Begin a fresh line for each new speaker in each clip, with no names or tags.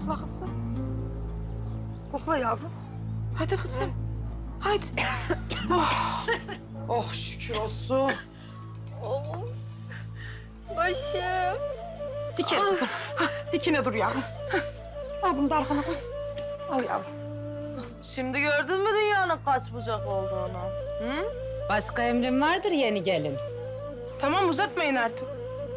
kokla kızım. Kokla yavrum. Hadi kızım. Hadi. Oh şükür olsun.
Of. Başım.
Dikine kızım. Dikine dur yavrum. Al bunu da arkana koy. Al yavrum.
Şimdi gördün mü dünyanın kaç bucak olduğunu? Hı?
Başka emrin vardır yeni gelin.
Tamam uzatmayın artık.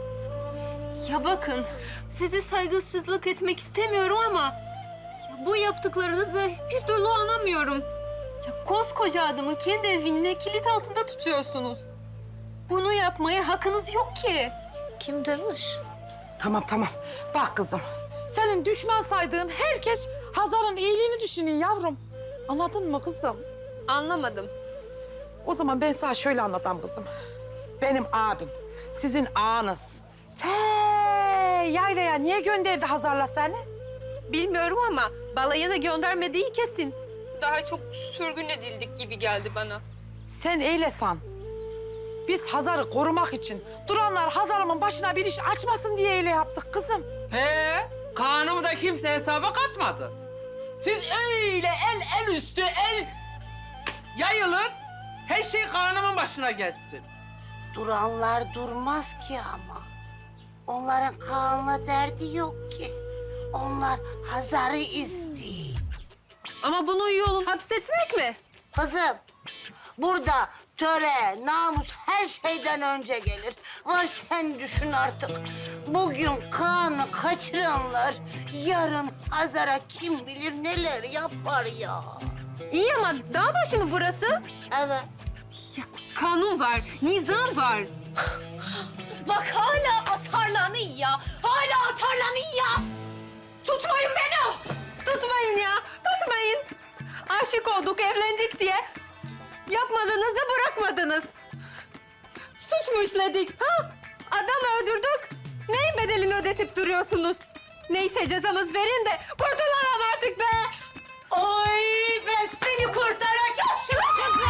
Ya bakın, sizi saygısızlık etmek istemiyorum ama... Ya bu yaptıklarınızı bir türlü anlamıyorum. Ya koskoca adamı kendi evine kilit altında tutuyorsunuz. Bunu yapmaya hakkınız yok ki.
Kim demiş?
Tamam. Bak kızım. Senin düşman saydığın herkes Hazar'ın iyiliğini düşünüyor yavrum. Anladın mı kızım?
Anlamadım.
O zaman ben sana şöyle anlatayım kızım. Benim abim, sizin ağanız. Yaylaya niye gönderdi Hazar'la seni?
Bilmiyorum ama balayına göndermediği kesin. Daha çok sürgün edildik gibi geldi bana.
Sen eyle san. Biz Hazar'ı korumak için duranlar Hazar'ımın başına bir iş açmasın diye öyle yaptık kızım.
He, kanımı da kimse hesaba katmadı. Siz öyle el üstü yayılın, her şey kanımın başına gelsin.
Duranlar durmaz ki ama. Onların Kaan'la derdi yok ki. Onlar Hazar'ı istiyor.
Ama bunun yolu hapsetmek mi?
Kızım, burada töre, namus her şeyden önce gelir. Var sen düşün artık. Bugün Kaan'ı kaçıranlar yarın Hazar'a kim bilir neler yapar ya.
İyi ama dağ başı mı burası?
Evet.
Ya kanun var, nizam var. Bak hala atarlanıyor ya. Hala atarlanıyor ya. Tutmayın beni. Tutmayın ya, tutmayın. Aşık olduk, evlendik diye yapmadınız da bırakmadınız. Suç mu işledik? Ha? Adam öldürdük. Neyin bedelini ödetip duruyorsunuz? Neyse cezamız verin de kurtulalım artık be.
Oy ben seni kurtaracağım şimdi.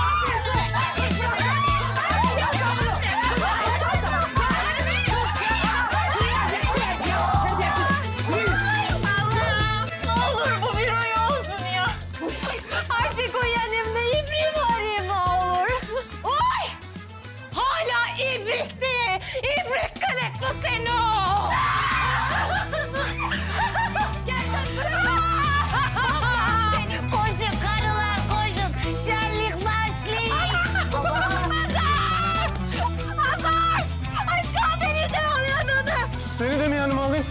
Allah'ım ne olur bu bir rüya olsun ya. Artık uyanayım da ibriğimi arayayım ne olur.
Oy! Hala ibrik diye. İbrik kılıklı seni o. Gel kız buraya.
Koşun karılar koşun. Şenlik başlıyor.
Hazar! Aşkım beni de alıyordu.
Seni de mi yanıma alayım?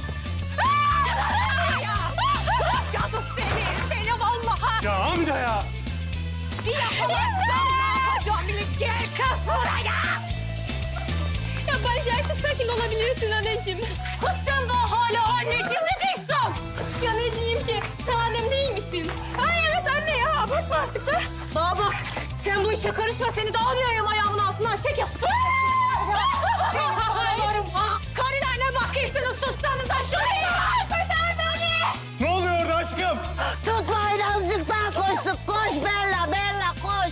Cadı seni vallahi.
Ya amca ya!
Bir yakalarsan ne yapacağım bile. Gel kız buraya.
Ya bence artık sakin olabilirsin anneciğim.
Kız sen daha hala anneciğim mi değilsin?
Ya ne diyeyim ki? Sen annem değil misin?
Ay evet anne ya abartma artık da. Bana bak sen bu işe karışma seni de almıyorum ayağımın altından çekil. Seni havarlarım ha. Karılar ne bakıyorsunuz sussanız da şuraya. Kurtar beni.
Ne oluyor orada aşkım?
Tutmayın azıcık daha koşsun. Koş Bella koş.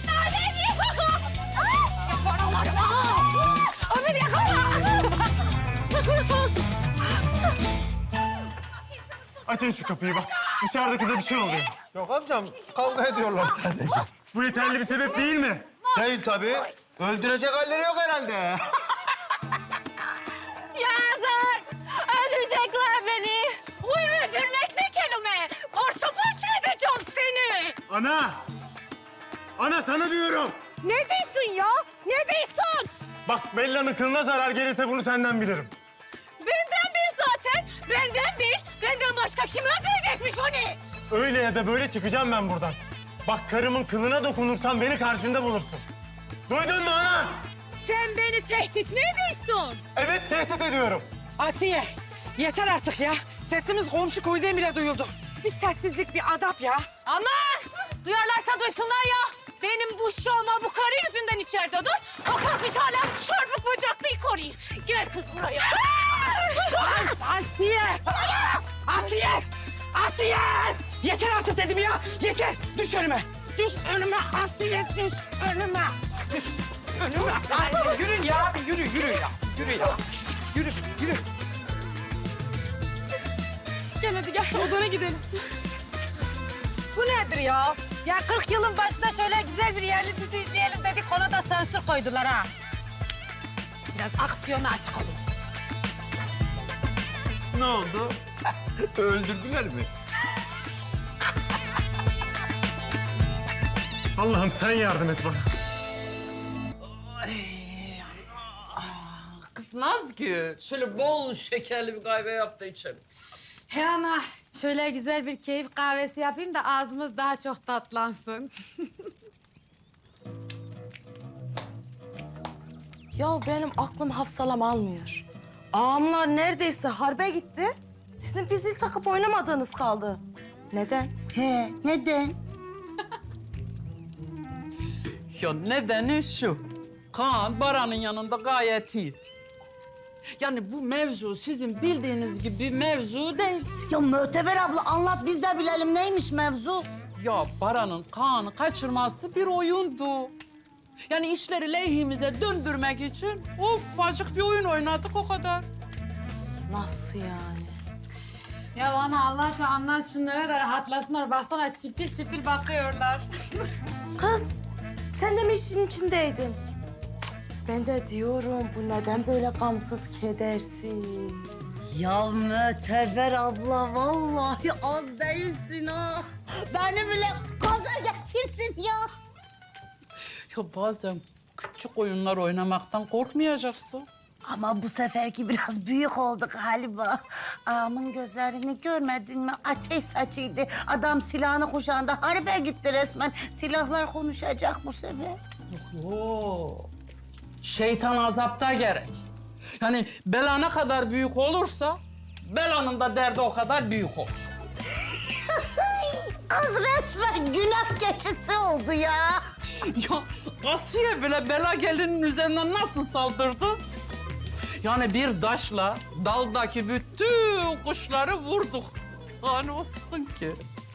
Yaparım ha. O beni yakala.
Açın şu kapıyı bak. Dışarıda kıza bir şey oluyor. Yok amcam kavga ediyorlar sadece. Bu yeterli bir sebep değil mi?
Değil tabii. Öldürecek halleri yok herhalde.
Ya Hazar öldürecekler beni. Uy öldürmek ne kelime. Parça parça edeceğim seni.
Ana! Ana sana diyorum.
Ne diyorsun ya? Ne diyorsun?
Bak Bella'nın kılına zarar gelirse bunu senden bilirim.
Benden bil zaten. Benden bil. Benden başka kim öldürecekmiş onu?
Öyle ya da böyle çıkacağım ben buradan. Bak karımın kılına dokunursan beni karşında bulursun. Duydun mu ana?
Sen beni tehdit mi ediyorsun?
Evet tehdit ediyorum.
Asiye yeter artık ya. Sesimiz komşu köyden bile duyuldu. Bir sessizlik, bir adap ya.
Aman! Duyarlarsa duysunlar ya. Benim bu şalma bu karı yüzünden içeride dur. O kalkmış hala çarpık bacaklı koruyor. Gel kız buraya.
Asiye! Asiye! Asiye! Yeter artık dedim ya. Yeter. Düş önüme. Düş önüme Asiye. Düş önüme. Düş önüme. Asiye yürü ya. Bir yürü ya. Yürü ya. Yürü.
Ya
gel hadi gel odana gidelim.
Bu nedir ya? Ya 40 yılın başında şöyle güzel bir yerli dizi izleyelim dedik, ona da sansür koydular ha. Biraz aksiyona açık olun.
Ne oldu? Öldürdüler mi?
Allah'ım sen yardım et bana.
Kız Nazgül, şöyle bol şekerli bir kahve yap da içelim.
He ana, şöyle güzel bir keyif kahvesi yapayım da ağzımız daha çok tatlansın.
Ya benim aklım hafsalam almıyor. Ağamlar neredeyse harbe gitti. Sizin bir zil takıp oynamadığınız kaldı. Neden?
He, neden?
Ya nedeni şu. Kaan Baran'ın yanında gayet iyi. Yani bu mevzu sizin bildiğiniz gibi bir mevzu değil.
Ya Möteber abla anlat biz de bilelim neymiş mevzu?
Ya Baran'ın Kaan'ı kaçırması bir oyundu. Yani işleri lehimize döndürmek için ufacık bir oyun oynadık o kadar.
Nasıl yani?
Ya bana Allah'ça anlat şunlara da rahatlasınlar. Baksana çipil çipil bakıyorlar.
Kız, sen de mi işin içindeydin? Ben de diyorum bu neden böyle gamsız kedersiz?
Ya Möteber abla vallahi az değilsin ha. Beni bile gaza getirdin ya.
Ya bazen küçük oyunlar oynamaktan korkmayacaksın.
Ama bu seferki biraz büyük oldu galiba. Ağamın gözlerini görmedin mi? Ateş saçıydı. Adam silahını kuşağında harbe gitti resmen. Silahlar konuşacak bu sefer.
Oo. Şeytan azapta gerek. Yani bela ne kadar büyük olursa belanın da derdi o kadar büyük olur.
Kız resmen günah keçisi oldu ya.
Ya Asiye bile bela gelinin üzerinden nasıl saldırdı? Yani bir taşla daldaki bütün kuşları vurduk. Hani olsun ki.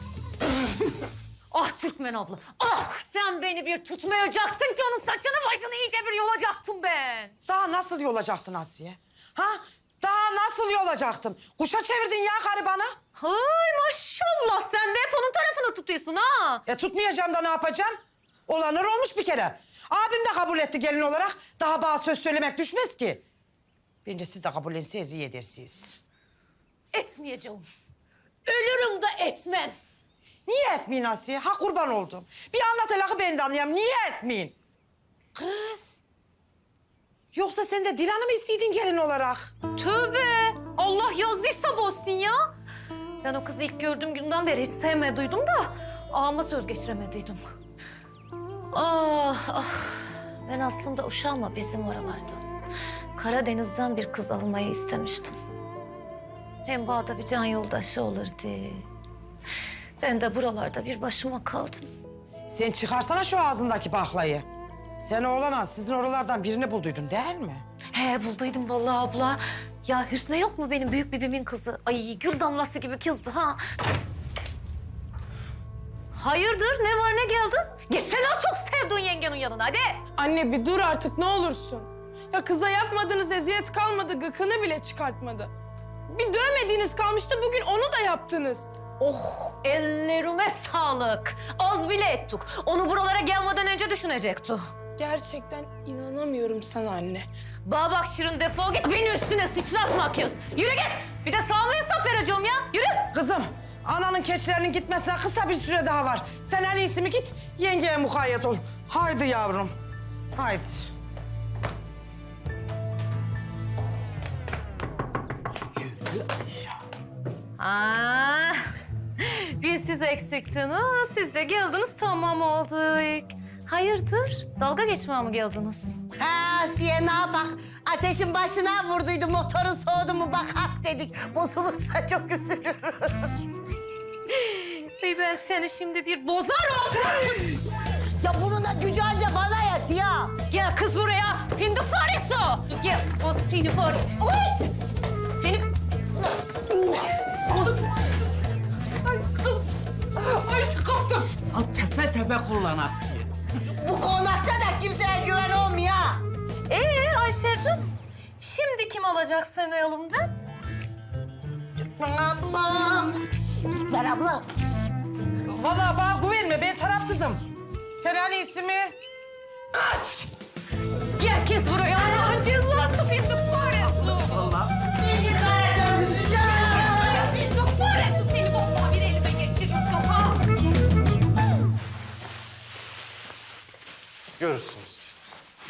Ah Türkmen abla. Ah sen beni bir tutmayacaktın ki onun saçını başını iyice bir yolacaktım ben.
Daha nasıl yolacaktın Asiye? Ha? Daha nasıl yolacaktım? Kuşa çevirdin ya garibanı.
Hay maşallah sen de hep onun tarafını tutuyorsun ha.
Tutmayacağım da ne yapacağım? Olanlar olmuş bir kere. Abim de kabul etti gelin olarak. Daha bana söz söylemek düşmez ki. Bence siz de kabul etseniz iyi edersiniz.
Etmeyeceğim. Ölürüm de etmem.
Niye etmeyin Asiye? Ha kurban oldum. Bir anlat hele ben de anlayayım. Niye etmeyin? Kız. Yoksa sen de Dilan'ı mı istedin gelin olarak?
Tövbe. Allah yazdıysa bozsun ya. Ben o kızı ilk gördüğüm günden beri hiç sevmediydim da ağama söz geçiremediydim. Ah ah. Ben aslında uşağıma bizim oralarda Karadeniz'den bir kız almayı istemiştim. Hem bağda bir can yoldaşı olurdu. Ben de buralarda bir başıma kaldım.
Sen çıkarsana şu ağzındaki baklayı. Sen oğlana sizin oralardan birini bulduydun değil mi?
He bulduydum vallahi abla. Ya Hüsnü yok mu benim büyük bibimin kızı? Ay gül damlası gibi kızdı ha. Hayırdır ne var ne geldin? Gitsene o çok sevdiğin yengenin yanına hadi.
Anne bir dur artık ne olursun. Ya kıza yapmadığınız eziyet kalmadı, gıkını bile çıkartmadı. Bir dövmediğiniz kalmıştı, bugün onu da yaptınız.
Oh ellerime sağlık. Az bile ettik. Onu buralara gelmeden önce düşünecekti.
Gerçekten inanamıyorum sana anne.
Bana bak Şirin defol git beni üstüne sıçratma kız. Yürü git. Bir de sağlığı hesap vereceğim ya. Yürü.
Kızım, ananın keçilerinin gitmesine kısa bir süre daha var. Sen en iyisi mi git, yengeye mukayyet ol. Haydi yavrum, haydi.
Aa, bir siz eksiktiniz, siz de geldiniz tamam olduk. Hayırdır? Dalga geçmeye mi geldiniz?
Ha Asiye ne yapak? Ateşin başına vurduydu motorun soğudu mu bak hak dedik. Bozulursa çok üzülürüm.
Ey ben seni şimdi bir bozarım.
Ya bunun da gücü anca bana yet ya.
Gel kız buraya. Fındık faresi. Gel. O seni fare. Oy! Seni...
Ay kaptım. Al tepe tepe kullan Asiye.
Bu konakta da kimseye güven olmuyor.
Ayşe'cim. Şimdi kim alacak seni elimden?
Ablam. ver abla.
Vallahi bana güvenme, ben tarafsızım. Sen en iyisi mi? Kaç!
Gel kez buraya. Allah cezası fındık faresi.
Allah.
Fındık faresi seni vallahi bir elime geçiririm. Ha.
Görürsünüz siz.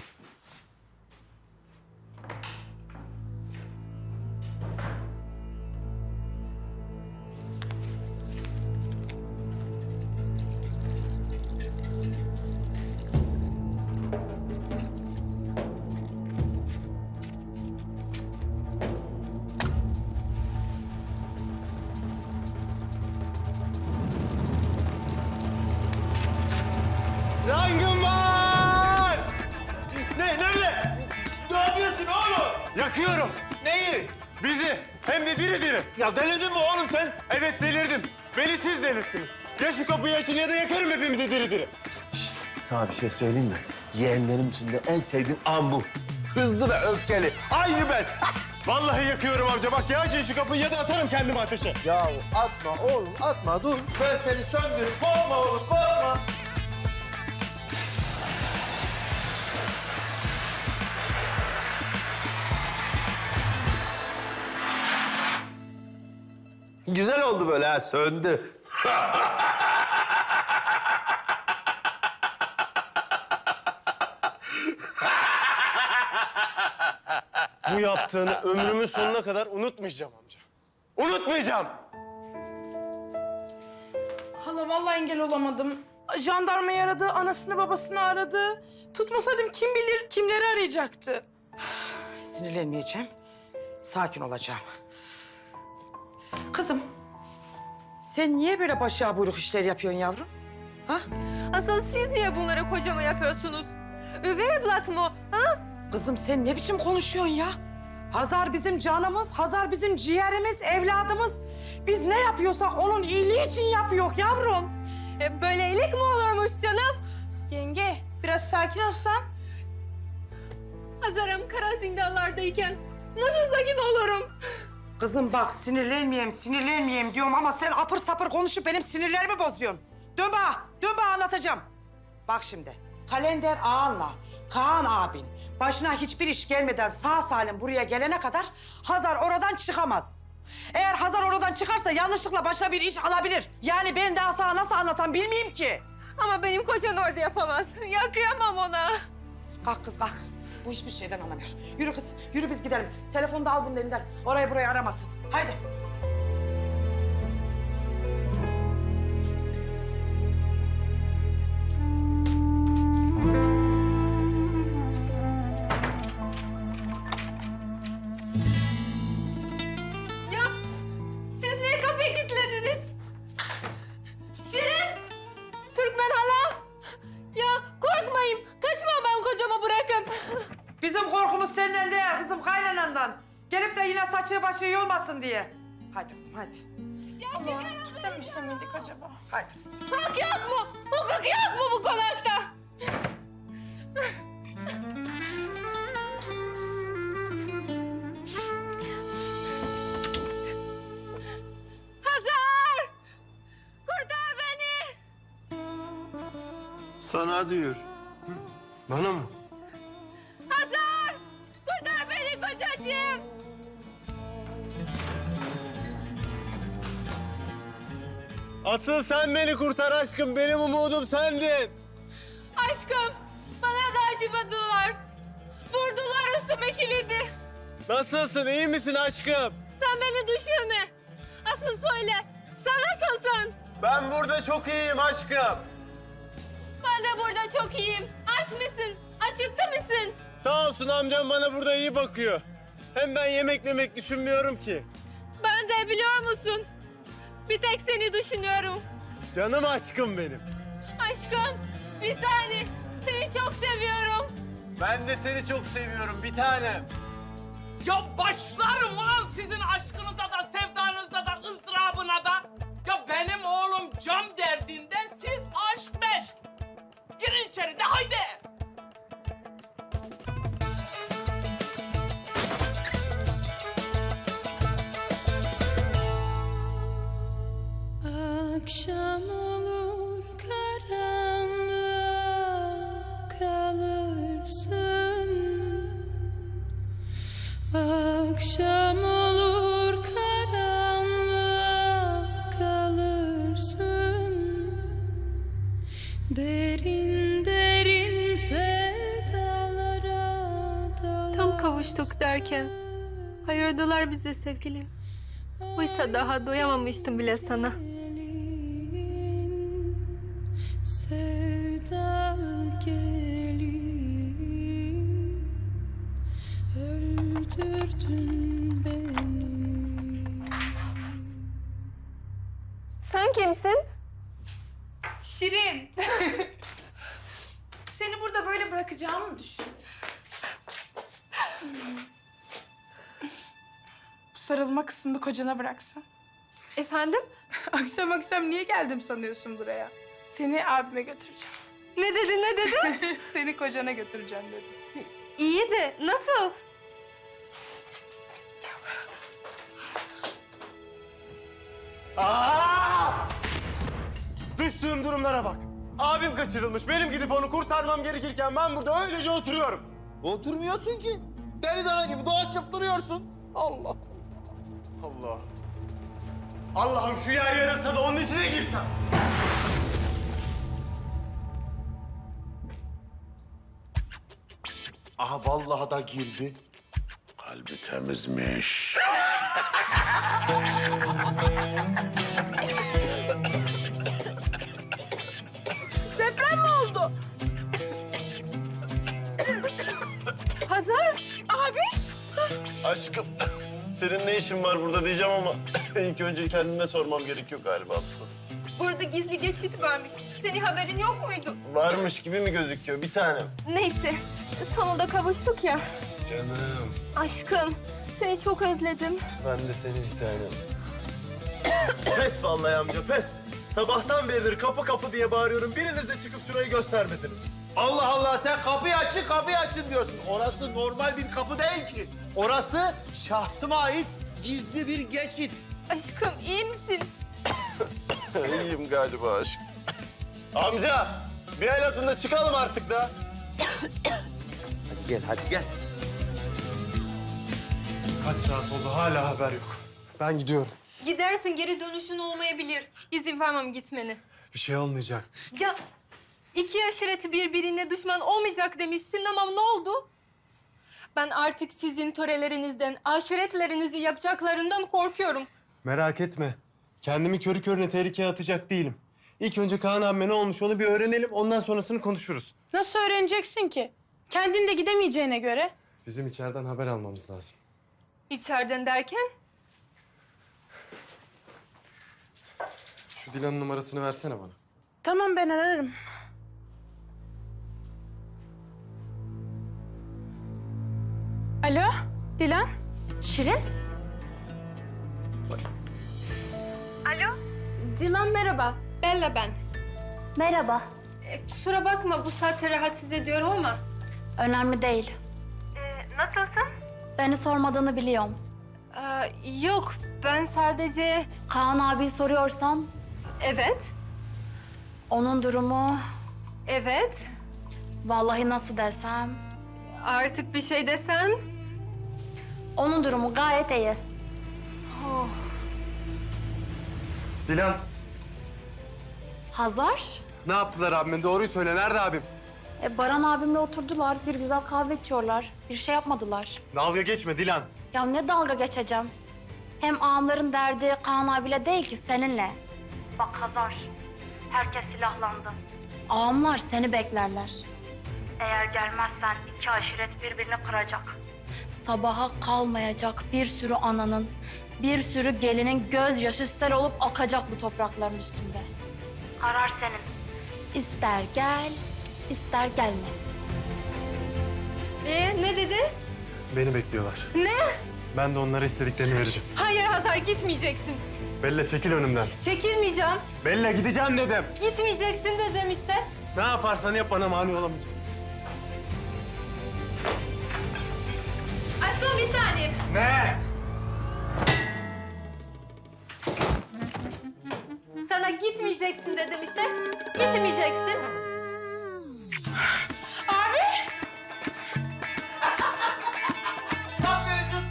Yangın var! Nerede? Ne yapıyorsun oğlum? Yakıyorum. Neyi? Bizi. Hem de diri diri. Ya delirdin mi oğlum sen? Evet delirdim. Beni siz delirttiniz. Ya şu kapıyı açın ya da yakarım hepimizi diri diri.
Sana bir şey söyleyeyim mi? Yeğenlerim içinde en sevdiğim an bu. Hızlı ve öfkeli. Aynı ben.
Vallahi yakıyorum amca. Bak ya açın şu kapıyı ya da atarım kendimi ateşe.
Ya atma oğlum atma dur. Ben seni söndürürüm. Korkma oğlum korkma. Güzel oldu böyle ha söndü.
Bu yaptığını ömrümün sonuna kadar unutmayacağım amca. Unutmayacağım.
Hala vallahi engel olamadım. Jandarmayı aradı, anasını babasını aradı. Tutmasaydım kim bilir kimleri arayacaktı.
Sinirlenmeyeceğim. Sakin olacağım. Kızım, sen niye böyle başa buyruk işler yapıyorsun yavrum? Ha?
Asıl siz niye bunları kocama yapıyorsunuz? Üvey evlat mı? Ha?
Kızım sen ne biçim konuşuyorsun ya? Hazar bizim canımız, Hazar bizim ciğerimiz, evladımız. Biz ne yapıyorsak onun iyiliği için yapıyor yavrum.
Böyle iyilik mi olurmuş canım?
Yenge, biraz sakin olsan.
Hazarım kara zindanlardayken nasıl sakin olurum?
Kızım bak sinirlenmeyeyim diyorum ama sen apır sapır konuşup benim sinirlerimi bozuyorsun. Dön bana anlatacağım. Bak şimdi, Kalender ağanla Kaan abin başına hiçbir iş gelmeden sağ salim buraya gelene kadar Hazar oradan çıkamaz. Eğer Hazar oradan çıkarsa yanlışlıkla başına bir iş alabilir. Yani ben daha sana nasıl anlatam bilmeyeyim ki.
Ama benim kocam orada yapamaz. Yakıyamam ona.
Kalk kız kalk. Bu hiçbir şeyden anlamıyor. Yürü kız, yürü biz gidelim. Telefonu da al bunun elinden. Orayı burayı aramasın. Haydi.
Ya siz niye kapıyı kilitlediniz? Şirin! Türkmen hala! Ya korkmayın. Kaçmam ben kocama bırakıp.
Bizim korkumuz senden değil, kızım kaynanandan. Gelip de yine saçı başı yolmasın diye. Haydi kızım, haydi.
Allah, kilitlenmiş miydik acaba?
Haydi kızım.
Hukuk yok mu? Hukuk yok mu bu konakta? Hazar! Kurtar beni!
Sana diyor. Bana mı?
Hazar! Kurtar beni kocacığım!
Asıl sen beni kurtar aşkım. Benim umudum sendin.
Aşkım, bana da acımadılar. Vurdular üstüme kilidi.
Nasılsın? İyi misin aşkım?
Sen beni düşünme. Asıl söyle, sen nasılsın?
Ben burada çok iyiyim aşkım.
Ben de burada çok iyiyim. Aç mısın? Acıktı mısın?
Sağ olsun amcam bana burada iyi bakıyor. Hem ben yemek düşünmüyorum ki.
Ben de biliyor musun? Bir tek seni düşünüyorum.
Canım aşkım benim.
Aşkım, bir tane. Seni çok seviyorum.
Ben de seni çok seviyorum bir tanem.
Ya başlarım ulan sizin aşkınıza da, sevdanıza da, ızdırabına da. Ya benim oğlum cam derdinden, siz aşk meşk. Girin içeri de haydi.
Derin derin sevdalara
Tam kavuştuk derken ayırdılar bizi sevgilim. Oysa daha doyamamıştım bile sana.
sevda gelin öldürdün beni.
Sen kimsin?
Şirin. Seni burada böyle bırakacağımı mı düşün? Bu sarılma kısmını kocana bıraksan.
Efendim?
Akşam akşam niye geldim sanıyorsun buraya? Seni abime götüreceğim.
Ne dedi, ne dedi?
Seni kocana götüreceğim dedi.
İyi de nasıl?
Aa! Düştüğüm durumlara bak. Abim kaçırılmış. Benim gidip onu kurtarmam gerekirken ben burada öylece oturuyorum.
Oturmuyorsun ki. Deli dana gibi dolaşıp duruyorsun. Allah.
Allah. Allah'ım şu yer yarılsa da onun içine girsem.
Aha vallahi da girdi. Kalbi temizmiş.
Deprem mi oldu? Hazar, abi.
Aşkım, senin ne işin var burada diyeceğim ama ilk önce kendime sormam gerekiyor galiba bu soru.
Burada gizli geçit varmış. Senin haberin yok muydu?
Varmış gibi mi gözüküyor bir tanem?
Neyse, sonunda kavuştuk ya.
Canım.
Aşkım, seni çok özledim.
Ben de seni bir tanem. Pes vallahi amca pes. Sabahtan beridir kapı kapı diye bağırıyorum. Biriniz de çıkıp şurayı göstermediniz.
Allah Allah sen kapıyı açın diyorsun. Orası normal bir kapı değil ki. Orası şahsıma ait gizli bir geçit.
Aşkım, iyi misin?
İyiyim galiba aşk. Amca bir el atın da çıkalım artık da.
Hadi gel.
Kaç saat oldu hala haber yok. Ben gidiyorum.
Gidersin, geri dönüşün olmayabilir. İzin vermem gitmeni.
Bir şey olmayacak.
Ya, iki aşireti birbirine düşman olmayacak demiştin ama ne oldu? Ben artık sizin törelerinizden, aşiretlerinizi yapacaklarından korkuyorum.
Merak etme. Kendimi körü körüne tehlikeye atacak değilim. İlk önce Kaan abime ne olmuş onu bir öğrenelim. Ondan sonrasını konuşuruz.
Nasıl öğreneceksin ki? Kendin de gidemeyeceğine göre.
Bizim içeriden haber almamız lazım.
İçeriden derken?
Şu Dilan'ın numarasını versene bana.
Tamam ben ararım. Alo, Dilan?
Şirin? Alo? Dilan merhaba. Bella ben.
Merhaba.
Kusura bakma bu saatte rahatsız ediyorum ama.
Önemli değil.
Nasılsın?
Beni sormadığını biliyorum.
Yok ben sadece...
Kaan abi soruyorsan
Evet.
onun durumu
Evet.
vallahi nasıl desem
Artık bir şey desen.
onun durumu gayet iyi.
Dilan,
Hazar,
ne yaptılar abime? Doğruyu söyle. Nerede abim?
Baran abimle oturdular. Bir güzel kahve içiyorlar. Bir şey yapmadılar.
Dalga geçme Dilan.
Ya ne dalga geçeceğim? Hem ağamların derdi Kaan abiyle değil ki seninle. Bak Hazar, herkes silahlandı. Ağamlar seni beklerler. Eğer gelmezsen iki aşiret birbirini kıracak. Sabaha kalmayacak bir sürü ananın, bir sürü gelinin gözyaşı sel olup akacak bu toprakların üstünde. Karar senin. İster gel, ister gelme.
Ne dedi?
Beni bekliyorlar.
Ne?
Ben de onlara istediklerini vereceğim.
Hayır Hazar gitmeyeceksin.
Bella çekil önümden.
Çekilmeyeceğim.
Bella gideceğim dedim.
Gitmeyeceksin dedim işte.
Ne yaparsan yap bana mani olamayacaksın.
Aşkım bir saniye.
Ne?
Sana gitmeyeceksin dedim işte. Gitmeyeceksin.
Aferin kız.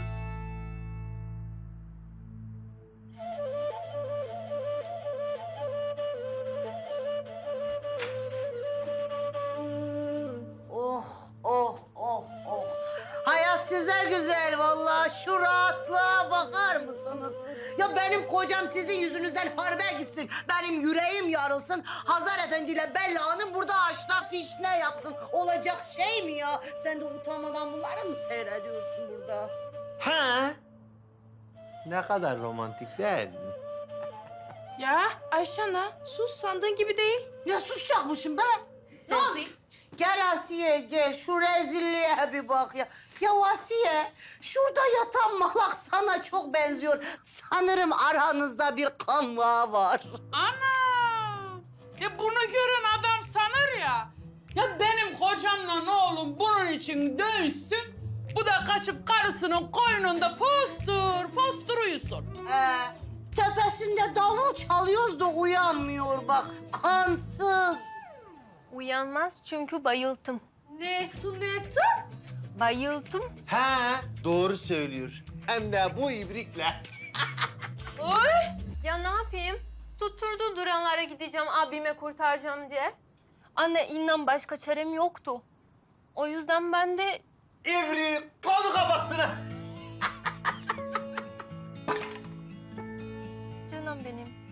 benim kocam sizin yüzünüzden harbe gitsin. Benim yüreğim yarılsın. Hazar Efendi ile Bella Hanım burada aşna fişne yapsın. Olacak şey mi ya? Sen de utanmadan bunları mı seyrediyorsun burada?
Ha? Ne kadar romantik değil mi?
Ya Ayşe ana sus sandığın gibi değil.
Ne susacakmışım be?
Ne olayım?
Gel Asiye gel şu rezilliğe bir bak ya. Ya Asiye şurada yatan malak sana çok benziyor. Sanırım aranızda bir kan bağı var.
Ana! Ya bunu gören adam sanır ya. Ya benim kocamla oğlum bunun için dövüşsün. Bu da kaçıp karısının koynunda fostur uyusun.
Tepesinde davul çalıyoruz da uyanmıyor bak. Kansız.
Uyanmaz çünkü bayıldım. Ne tu? Bayıldım.
Ha, doğru söylüyor. Hem de bu ibrikle.
Oy! Ya ne yapayım? Tutturdu duranlara gideceğim, abime kurtaracağım diye. Anne inan başka çarem yoktu. O yüzden ben de
İbrik konu kafasına.
canım benim.